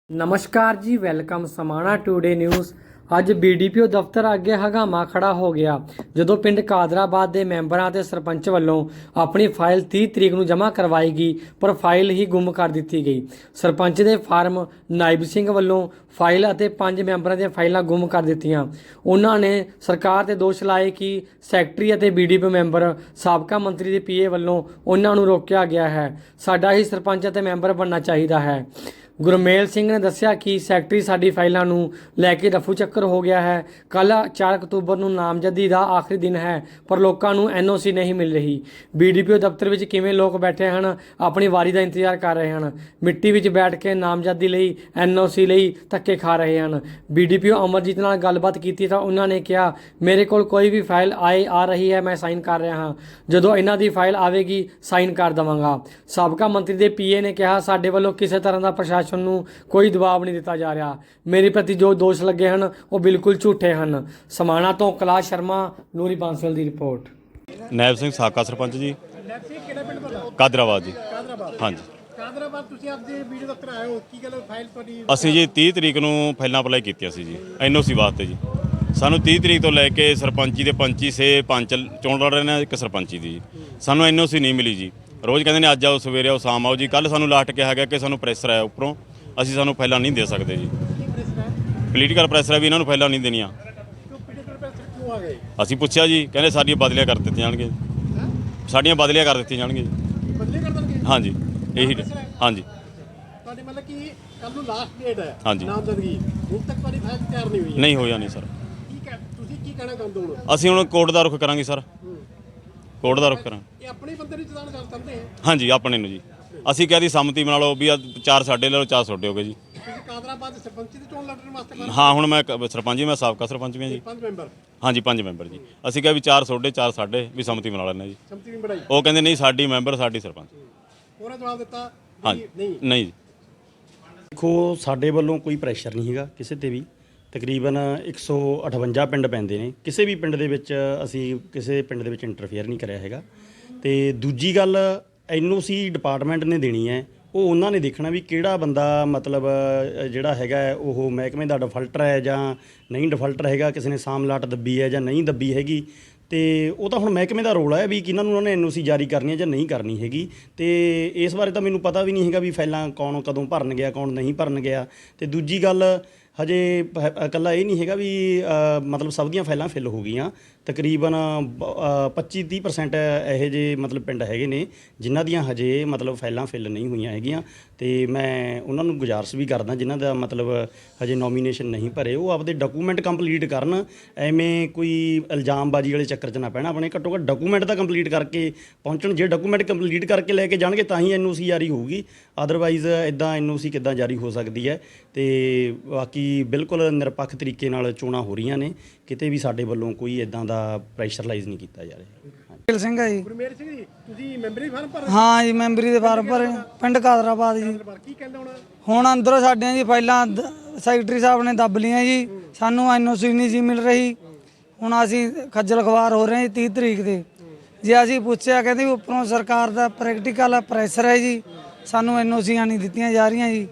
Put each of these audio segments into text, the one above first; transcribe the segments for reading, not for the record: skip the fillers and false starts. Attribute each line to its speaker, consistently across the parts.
Speaker 1: ਨਮਸਕਾਰ ਜੀ, welcome Samana today news. ਅੱਜ ਬੀਡੀਪੀਓ ਦਫ਼ਤਰ ਅੱਗੇ ਹੰਗਾਮਾ ਖੜਾ ਹੋ ਗਿਆ ਜਦੋਂ ਪਿੰਡ ਕਾਦਰਾਬਾਦ ਦੇ ਮੈਂਬਰਾਂ ਤੇ ਸਰਪੰਚ ਵੱਲੋਂ ਆਪਣੀ ਫਾਈਲ 30 ਤਰੀਕ ਨੂੰ ਜਮ੍ਹਾਂ ਕਰਵਾਈ ਗਈ, ਪਰ ਫਾਈਲ ਹੀ ਗੁੰਮ ਕਰ ਦਿੱਤੀ ਗਈ। ਸਰਪੰਚ ਦੇ ਫਾਰਮ ਨਾਇਬ ਸਿੰਘ ਵੱਲੋਂ ਫਾਈਲ ਅਤੇ 5 ਮੈਂਬਰਾਂ ਦੀਆਂ ਫਾਈਲਾਂ ਗੁੰਮ ਕਰ ਦਿੱਤੀਆਂ। ਉਹਨਾਂ ਨੇ ਸਰਕਾਰ ਤੇ ਦੋਸ਼ ਲਾਏ ਕਿ ਸੈਕਟਰੀ ਅਤੇ ਬੀਡੀਪੀਓ ਮੈਂਬਰ ਸਾਬਕਾ ਮੰਤਰੀ ਦੇ ਪੀਏ ਵੱਲੋਂ ਉਹਨਾਂ ਨੂੰ ਰੋਕਿਆ ਗਿਆ ਹੈ। ਸਾਡਾ ਹੀ ਸਰਪੰਚ ਅਤੇ ਮੈਂਬਰ ਬਣਨਾ ਚਾਹੀਦਾ ਹੈ। ਗੁਰਮੇਲ ਸਿੰਘ ਨੇ ਦੱਸਿਆ ਕਿ ਸੈਕਟਰੀ ਸਾਡੀ ਫਾਈਲਾਂ ਨੂੰ ਲੈ ਕੇ ਰਫੂ ਚੱਕਰ ਹੋ ਗਿਆ ਹੈ। ਕੱਲ੍ਹ 4 ਅਕਤੂਬਰ ਨੂੰ ਨਾਮਜ਼ਦਗੀ ਦਾ ਆਖਰੀ ਦਿਨ ਹੈ, ਪਰ ਲੋਕਾਂ ਨੂੰ ਐਨਓਸੀ ਨਹੀਂ ਮਿਲ ਰਹੀ। ਬੀਡੀਪੀਓ ਦਫ਼ਤਰ ਵਿੱਚ ਕਿਵੇਂ ਲੋਕ ਬੈਠੇ ਹਨ, ਆਪਣੀ ਵਾਰੀ ਦਾ ਇੰਤਜ਼ਾਰ ਕਰ ਰਹੇ ਹਨ। ਮਿੱਟੀ ਵਿੱਚ ਬੈਠ ਕੇ ਨਾਮਜ਼ਦਗੀ ਲਈ, ਐਨਓਸੀ ਲਈ ਧੱਕੇ ਖਾ ਰਹੇ ਹਨ। ਬੀਡੀਪੀਓ ਅਮਰਜੀਤ ਨਾਲ ਗੱਲਬਾਤ ਕੀਤੀ ਤਾਂ ਉਹਨਾਂ ਨੇ ਕਿਹਾ, ਮੇਰੇ ਕੋਲ ਕੋਈ ਵੀ ਫਾਈਲ ਆ ਰਹੀ ਹੈ, ਮੈਂ ਸਾਈਨ ਕਰ ਰਿਹਾ ਹਾਂ। ਜਦੋਂ ਇਹਨਾਂ ਦੀ ਫਾਈਲ ਆਵੇਗੀ ਸਾਈਨ ਕਰ ਦੇਵਾਂਗਾ। ਸਾਬਕਾ ਮੰਤਰੀ ਦੇ ਪੀਏ ਨੇ ਕਿਹਾ, ਸਾਡੇ ਵੱਲੋਂ ਕਿਸੇ ਤਰ੍ਹਾਂ ਦਾ ਪ੍ਰਸ਼ਾਸਨ ਨੂੰ ਕੋਈ ਦਬਾਅ ਨਹੀਂ ਦਿੱਤਾ ਜਾ ਰਿਹਾ। ਮੇਰੇ ਪ੍ਰਤੀ ਜੋ ਦੋਸ਼ ਲੱਗੇ ਹਨ ਉਹ ਬਿਲਕੁਲ ਝੂਠੇ ਹਨ। ਸਮਾਣਾ ਤੋਂ ਕੈਲਾਸ਼ ਸ਼ਰਮਾ, ਨੂਰੀ ਬਾਂਸਲ ਦੀ ਰਿਪੋਰਟ।
Speaker 2: ਨਾਇਬ ਸਿੰਘ ਸਾਬਕਾ ਸਰਪੰਚ ਜੀ।
Speaker 3: ਨਾਇਬ ਸਿੰਘ ਕਿਹੜਾ ਪਿੰਡ ਤੁਹਾਡਾ?
Speaker 2: ਕਾਦਰਾਬਾਦ ਜੀ।
Speaker 3: ਕਾਦਰਾਬਾਦ।
Speaker 2: ਹਾਂਜੀ।
Speaker 3: ਕਾਦਰਾਬਾਦ ਤੁਸੀਂ ਅੱਜ ਵੀਡੀਓ ਦਫ਼ਤਰ ਆਏ ਹੋ, ਕੀ ਗੱਲ ਫਾਈਲ ਤੁਹਾਡੀ?
Speaker 2: ਅਸੀਂ ਜੀ 30 ਤਰੀਕ ਨੂੰ ਫਾਈਲਾਂ ਅਪਲਾਈ ਕੀਤੀਆਂ ਸੀ ਜੀ ਐਨਓਸੀ ਵਾਸਤੇ ਜੀ। ਸਾਨੂੰ 30 ਤਰੀਕ ਤੋਂ ਲੈ ਕੇ ਸਰਪੰਚੀ ਦੇ 25 ਸੇ 5 ਚੋਣ ਲੜ ਰਹੇ ਨੇ, ਇੱਕ ਸਰਪੰਚੀ ਦੀ ਸਾਨੂੰ ਐਨਓਸੀ ਨਹੀਂ ਮਿਲੀ ਜੀ। ਰੋਜ਼ ਕਹਿੰਦੇ ਨੇ ਅੱਜ ਆਓ, ਸਵੇਰੇ ਆਓ, ਸ਼ਾਮ ਆਓ ਜੀ। ਕੱਲ੍ਹ ਸਾਨੂੰ ਲਾਸਟ ਕਿਹਾ ਗਿਆ ਕਿ ਸਾਨੂੰ ਪ੍ਰੈਸ਼ਰ ਆਇਆ ਉੱਪਰੋਂ, ਅਸੀਂ ਸਾਨੂੰ ਫਾਈਲਾਂ ਨਹੀਂ ਦੇ ਸਕਦੇ ਜੀ। ਪੋਲੀਟੀਕਲ ਪ੍ਰੈਸ਼ਰ ਹੈ ਵੀ ਇਹਨਾਂ ਨੂੰ ਫਾਈਲਾਂ ਨਹੀਂ ਦੇਣੀਆਂ।
Speaker 3: ਕਿਉਂ ਆ ਗਏ?
Speaker 2: ਅਸੀਂ ਪੁੱਛਿਆ ਜੀ, ਕਹਿੰਦੇ ਸਾਡੀਆਂ ਬਦਲੀਆਂ ਕਰ ਦਿੱਤੀਆਂ ਜਾਣਗੀਆਂ, ਸਾਡੀਆਂ ਬਦਲੀਆਂ ਕਰ ਦਿੱਤੀਆਂ ਜਾਣਗੀਆਂ ਜੀ।
Speaker 3: ਬਦਲੀ ਕਰ ਦੇਣਗੇ?
Speaker 2: ਹਾਂਜੀ, ਇਹੀ ਹਾਂਜੀ।
Speaker 3: ਤੁਹਾਡੀ ਮਤਲਬ ਕਿ ਕੱਲ ਨੂੰ ਲਾਸਟ ਡੇਟ ਹੈ
Speaker 2: ਹਾਂਜੀ।
Speaker 3: ਨਾਮਜ਼ਦਗੀ, ਹੁਣ ਤੱਕ ਤੁਹਾਡੀ ਫਾਈਲ ਤਿਆਰ ਨਹੀਂ ਹੋਈ?
Speaker 2: ਨਹੀਂ ਹੋਇਆ ਨਹੀਂ ਸਰ।
Speaker 3: ਤੁਸੀਂ ਕੀ ਕਹਿਣਾ ਚਾਹੁੰਦੇ ਹੋ?
Speaker 2: ਅਸੀਂ ਹੁਣ ਕੋਰਟ ਦਾ ਰੁਖ ਕਰਾਂਗੇ ਸਰ, ਕੋਰਟ ਦਾ ਰੁਖ ਕਰਾਂਗੇ।
Speaker 3: ਇਹ ਆਪਣੇ ਬੰਦੇ ਨੂੰ ਚਲਾਨ ਕਰ ਸਕਦੇ ਹੈ?
Speaker 2: ਹਾਂਜੀ, ਆਪਣੇ ਨੂੰ ਜੀ। ਅਸੀਂ ਕਹਿ ਦੀ ਸੰਮਤੀ ਬਣਾ ਲਓ ਵੀ 4 ਸਾਡੇ ਲੈ ਲਓ, 4 ਤੁਹਾਡੇ ਹੋ ਗਏ ਜੀ।
Speaker 3: ਤੁਸੀਂ ਕਾਦਰਾਬਾਦ ਦੇ ਸਰਪੰਚੀ ਦੀ ਚੋਣ ਲੜਨ ਵਾਸਤੇ ਕਰ?
Speaker 2: ਹਾਂ, ਹੁਣ ਮੈਂ ਸਰਪੰਚ ਜੀ, ਮੈਂ ਸਾਬਕਾ ਸਰਪੰਚ ਵੀ ਹਾਂ ਜੀ।
Speaker 3: 5 ਮੈਂਬਰ?
Speaker 2: ਹਾਂਜੀ, 5 ਮੈਂਬਰ ਜੀ। ਅਸੀਂ ਕਿਹਾ ਵੀ 4 ਤੁਹਾਡੇ, 4 ਸਾਡੇ, ਵੀ ਸੰਮਤੀ ਬਣਾ ਲੈਂਦੇ ਜੀ।
Speaker 3: ਸੰਮਤੀ ਵੀ ਬਣਾਈ?
Speaker 2: ਉਹ ਕਹਿੰਦੇ ਨਹੀਂ, ਸਾਡੀ ਮੈਂਬਰ ਸਾਡੀ ਸਰਪੰਚ।
Speaker 3: ਉਹਨੇ ਜਵਾਬ ਦਿੱਤਾ
Speaker 2: ਹਾਂਜੀ,
Speaker 3: ਨਹੀਂ?
Speaker 2: ਨਹੀਂ ਜੀ।
Speaker 4: ਦੇਖੋ, ਸਾਡੇ ਵੱਲੋਂ ਕੋਈ ਪ੍ਰੈਸ਼ਰ ਨਹੀਂ ਹੈਗਾ ਕਿਸੇ ਤੇ ਵੀ। ਤਕਰੀਬਨ 158 ਪਿੰਡ ਪੈਂਦੇ ਨੇ, ਕਿਸੇ ਵੀ ਪਿੰਡ ਦੇ ਵਿੱਚ ਅਸੀਂ ਕਿਸੇ ਪਿੰਡ ਦੇ ਵਿੱਚ ਇੰਟਰਫੇਅਰ ਨਹੀਂ ਕਰਿਆ ਹੈਗਾ। ਤੇ ਦੂਜੀ ਗੱਲ, ਐਨਓਸੀ ਡਿਪਾਰਟਮੈਂਟ ਨੇ ਦੇਣੀ ਹੈ, ਉਹ ਉਹਨਾਂ ਨੇ ਦੇਖਣਾ ਵੀ ਕਿਹੜਾ ਬੰਦਾ ਮਤਲਬ ਜਿਹੜਾ ਹੈਗਾ ਉਹ ਮਹਿਕਮੇ ਦਾ ਡਿਫਾਲਟਰ ਹੈ ਜਾਂ ਨਹੀਂ ਡਿਫਾਲਟਰ ਹੈਗਾ, ਕਿਸੇ ਨੇ ਸਾਮਲਾਟ ਦੱਬੀ ਹੈ ਜਾਂ ਨਹੀਂ ਦੱਬੀ ਹੈਗੀ। ਤੇ ਉਹ ਤਾਂ ਹੁਣ ਮਹਿਕਮੇ ਦਾ ਰੋਲ ਹੈ ਵੀ ਕਿਹਨਾਂ ਨੂੰ ਉਹਨਾਂ ਨੇ ਐਨਓਸੀ ਜਾਰੀ ਕਰਨੀ ਹੈ ਜਾਂ ਨਹੀਂ ਕਰਨੀ ਹੈਗੀ। ਤੇ ਇਸ ਬਾਰੇ ਤਾਂ ਮੈਨੂੰ ਪਤਾ ਵੀ ਨਹੀਂ ਹੈਗਾ ਵੀ ਫਾਈਲਾਂ ਕੌਣ ਕਦੋਂ ਭਰਨ ਗਿਆ, ਕੌਣ ਨਹੀਂ ਭਰਨ ਗਿਆ। ਤੇ ਦੂਜੀ ਗੱਲ, ਹਜੇ ਇਕੱਲਾ ਇਹ ਨਹੀਂ ਹੈਗਾ ਵੀ ਮਤਲਬ ਸਭ ਦੀਆਂ ਫਾਈਲਾਂ ਫਿਲ ਹੋ ਗਈਆਂ। ਤਕਰੀਬਨ 25-30% ਇਹੋ ਜਿਹੇ ਮਤਲਬ ਪਿੰਡ ਹੈਗੇ ਨੇ ਜਿਨ੍ਹਾਂ ਦੀਆਂ ਹਜੇ ਮਤਲਬ ਫਾਈਲਾਂ ਫਿਲ ਨਹੀਂ ਹੋਈਆਂ ਹੈਗੀਆਂ। ਤੇ ਮੈਂ ਉਹਨਾਂ ਨੂੰ ਗੁਜ਼ਾਰਿਸ਼ ਵੀ ਕਰਦਾ ਜਿਨ੍ਹਾਂ ਦਾ ਮਤਲਬ ਹਜੇ ਨੋਮੀਨੇਸ਼ਨ ਨਹੀਂ ਭਰੇ, ਉਹ ਆਪਦੇ ਡਾਕੂਮੈਂਟ ਕੰਪਲੀਟ ਕਰਨ। ਐਵੇਂ ਕੋਈ ਇਲਜ਼ਾਮਬਾਜ਼ੀ ਵਾਲੇ ਚੱਕਰ 'ਚ ਨਾ ਪੈਣਾ, ਆਪਣੇ ਘੱਟੋ ਘੱਟ ਡਾਕੂਮੈਂਟ ਤਾਂ ਕੰਪਲੀਟ ਕਰਕੇ ਪਹੁੰਚਣ। ਜੇ ਡਾਕੂਮੈਂਟ ਕੰਪਲੀਟ ਕਰਕੇ ਲੈ ਕੇ ਜਾਣਗੇ ਤਾਂ ਹੀ ਐਨਓਸੀ ਜਾਰੀ ਹੋਊਗੀ, ਅਦਰਵਾਈਜ਼ ਇੱਦਾਂ ਐਨਓਸੀ ਕਿੱਦਾਂ ਜਾਰੀ ਹੋ ਸਕਦੀ ਹੈ। ਤੇ ਬਾਕੀ ਬਿਲਕੁਲ ਨਿਰਪੱਖ ਤਰੀਕੇ ਨਾਲ ਚੋਣਾਂ ਹੋ ਰਹੀਆਂ ਨੇ, ਕਿਤੇ ਵੀ ਸਾਡੇ ਵੱਲੋਂ ਕੋਈ ਇੱਦਾਂ ਦਾ ਪ੍ਰੈਸ਼ਰਲਾਈਜ਼ ਨਹੀਂ ਕੀਤਾ ਜਾ ਰਿਹਾ।
Speaker 5: ਗੁਰਮੇਲ ਸਿੰਘ ਹੈ ਜੀ।
Speaker 3: ਗੁਰਮੇਲ ਸਿੰਘ ਜੀ, ਤੁਸੀਂ ਮੈਂਬਰੀ ਫਾਰਮ ਭਰ?
Speaker 5: ਹਾਂ ਜੀ, ਮੈਂਬਰੀ ਦੇ ਫਾਰਮ ਭਰੇ, ਪਿੰਡ ਕਾਦਰਾਬਾਦ ਜੀ।
Speaker 3: ਕੀ ਕਹਿੰਦੇ
Speaker 5: ਹੁਣ ਅੰਦਰੋਂ ਸਾਡੀਆਂ ਜੀ ਫਾਈਲਾਂ ਸੈਕਟਰੀ ਸਾਹਿਬ ਨੇ ਦੱਬ ਲੀਆਂ ਜੀ, ਸਾਨੂੰ ਐਨਓਸੀ ਨਹੀਂ ਜੀ ਮਿਲ ਰਹੀ। ਹੁਣ ਅਸੀਂ ਖੱਜਲ ਖਵਾਰ ਹੋ ਰਹੇ ਜੀ 30 ਤਰੀਕ ਦੇ। ਜੇ ਅਸੀਂ ਪੁੱਛਿਆ, ਕਹਿੰਦੇ ਉੱਪਰੋਂ ਸਰਕਾਰ ਦਾ ਪ੍ਰੈਕਟੀਕਲ ਪ੍ਰੈਸ਼ਰ ਹੈ ਜੀ, ਸਾਨੂੰ ਐਨਓਸੀਆਂ ਨਹੀਂ ਦਿੱਤੀਆਂ ਜਾ ਰਹੀਆਂ ਜੀ।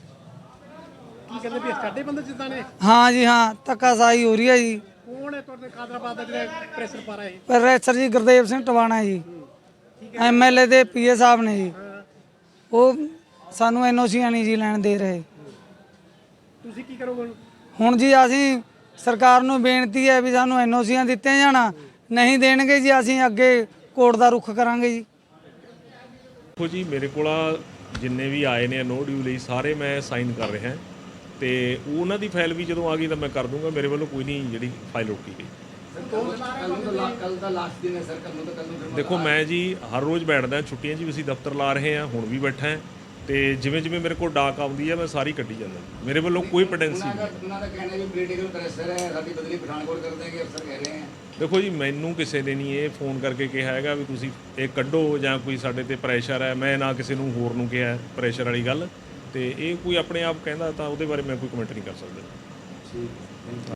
Speaker 3: ਕੀ ਕਹਿੰਦੇ ਵੀ ਸਾਡੇ ਬੰਦੇ ਜਿੱਦਾਂ ਨੇ?
Speaker 5: ਹਾਂ ਜੀ, ਹਾਂ, ਧੱਕਾਸ਼ਾਹੀ ਹੋ ਰਹੀ ਹੈ ਜੀ।
Speaker 3: ਕੌਣ ਹੈ ਤੁਹਾਡੇ ਕਾਦਰਾਬਾਦ ਦਾ ਜਿਹੜਾ ਪ੍ਰੈਸ਼ਰ ਪਾ ਰਿਹਾ ਹੈ?
Speaker 5: ਪ੍ਰੈਸ਼ਰ ਜੀ ਗੁਰਦੇਵ ਸਿੰਘ ਟਵਾਣਾ ਜੀ, ਐਮਐਲਏ ਦੇ ਪੀਏ ਸਾਹਿਬ ਨੇ ਜੀ। ਉਹ ਸਾਨੂੰ ਐਨਓਸੀਆਂ ਨਹੀਂ ਜੀ ਲੈਣ ਦੇ ਰਹੇ।
Speaker 3: ਤੁਸੀਂ ਕੀ ਕਰੋਗੇ
Speaker 5: ਹੁਣ ਜੀ? ਅਸੀਂ ਸਰਕਾਰ ਨੂੰ ਬੇਨਤੀ ਹੈ ਵੀ ਸਾਨੂੰ ਐਨਓਸੀਆਂ ਦਿੱਤੀਆਂ ਜਾਣਾ, ਨਹੀਂ ਦੇਣਗੇ ਜੀ ਅਸੀਂ ਅੱਗੇ ਕੋਰਟ ਦਾ ਰੁਖ ਕਰਾਂਗੇ ਜੀ।
Speaker 6: ਦੇਖੋ ਜੀ, ਮੇਰੇ ਕੋਲ ਜਿੰਨੇ ਵੀ ਆਏ ਨੇ ਨੋ ਡਿਊ ਲਈ ਸਾਰੇ ਮੈਂ ਸਾਈਨ ਕਰ ਰਿਹਾ ਤੇ ਉਹਨਾਂ ਦੀ ਫਾਈਲ ਵੀ ਜਦੋਂ ਆ ਗਈ ਤਾਂ ਮੈਂ ਕਰ ਦੂੰਗਾ। ਮੇਰੇ ਵੱਲੋਂ ਕੋਈ ਨਹੀਂ ਜਿਹੜੀ ਫਾਈਲ ਰੋਕੀ ਗਈ। ਦੇਖੋ, ਮੈਂ ਜੀ ਹਰ ਰੋਜ਼ ਬੈਠਦਾ, ਛੁੱਟੀਆਂ 'ਚ ਵੀ ਅਸੀਂ ਦਫ਼ਤਰ ਲਾ ਰਹੇ ਹਾਂ, ਹੁਣ ਵੀ ਬੈਠਾ ਤੇ ਜਿਵੇਂ ਜਿਵੇਂ ਮੇਰੇ ਕੋਲ ਡਾਕ ਆਉਂਦੀ ਹੈ ਮੈਂ ਸਾਰੀ ਕੱਢੀ ਜਾਂਦਾ। ਮੇਰੇ ਵੱਲੋਂ ਕੋਈ ਪੈਂਡੈਂਸੀ ਨਹੀਂ। ਦੇਖੋ ਜੀ, ਮੈਨੂੰ ਕਿਸੇ ਨੇ ਨਹੀਂ ਇਹ ਫੋਨ ਕਰਕੇ ਕਿਹਾ ਹੈਗਾ ਵੀ ਤੁਸੀਂ ਇਹ ਕੱਢੋ ਜਾਂ ਕੋਈ ਸਾਡੇ ਤੇ ਪ੍ਰੈਸ਼ਰ ਹੈ। ਮੈਂ ਨਾ ਕਿਸੇ ਨੂੰ ਹੋਰ ਨੂੰ ਕਿਹਾ ਪ੍ਰੈਸ਼ਰ ਵਾਲੀ ਗੱਲ। ਤੇ ਇਹ ਕੋਈ ਆਪਣੇ ਆਪ ਕਹਿੰਦਾ ਤਾਂ ਉਹਦੇ ਬਾਰੇ ਮੈਂ ਕੋਈ ਕਮੈਂਟ ਨਹੀਂ ਕਰ ਸਕਦਾ।